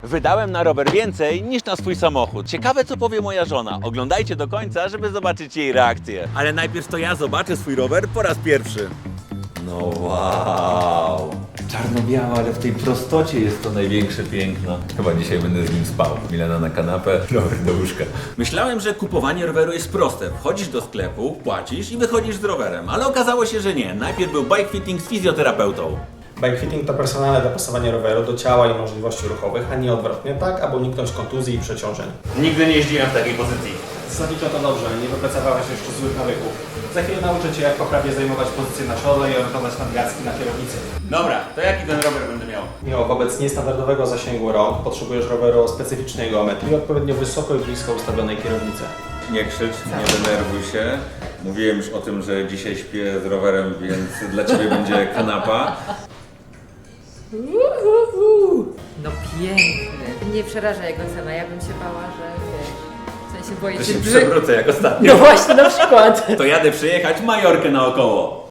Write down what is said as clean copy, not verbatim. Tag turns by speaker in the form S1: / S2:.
S1: Wydałem na rower więcej niż na swój samochód. Ciekawe, co powie moja żona. Oglądajcie do końca, żeby zobaczyć jej reakcję. Ale najpierw to ja zobaczę swój rower po raz pierwszy. No wow. Czarno-biała, ale w tej prostocie jest to największe piękno.
S2: Chyba dzisiaj będę z nim spał. Milena na kanapę, rower do łóżka.
S1: Myślałem, że kupowanie roweru jest proste. Wchodzisz do sklepu, płacisz i wychodzisz z rowerem. Ale okazało się, że nie. Najpierw był bike fitting z fizjoterapeutą.
S3: Bike fitting to personalne dopasowanie roweru do ciała i możliwości ruchowych, a nie odwrotnie, tak aby uniknąć kontuzji i przeciążeń.
S1: Nigdy nie jeździłem w takiej pozycji.
S3: Zalicza to dobrze, nie wypracowałeś jeszcze złych nawyków. Za chwilę nauczę Cię, jak poprawnie zajmować pozycję na czole i orientować nadgarstki na kierownicy.
S1: Dobra, to jaki ten rower będę miał?
S3: Miło, wobec niestandardowego zasięgu rąk potrzebujesz roweru o specyficznej geometrii i odpowiednio wysoko i blisko ustawionej kierownicy.
S2: Nie krzycz, nie denerwuj się. Mówiłem już o tym, że dzisiaj śpię z rowerem, więc dla Ciebie będzie kanapa.
S4: No piękny. Nie przeraża jego cena, ja bym się bała, że wiesz, w sensie boję
S1: To
S4: się
S1: się przewrócę jak ostatnio.
S4: No właśnie, na przykład.
S1: To jadę przyjechać Majorkę naokoło.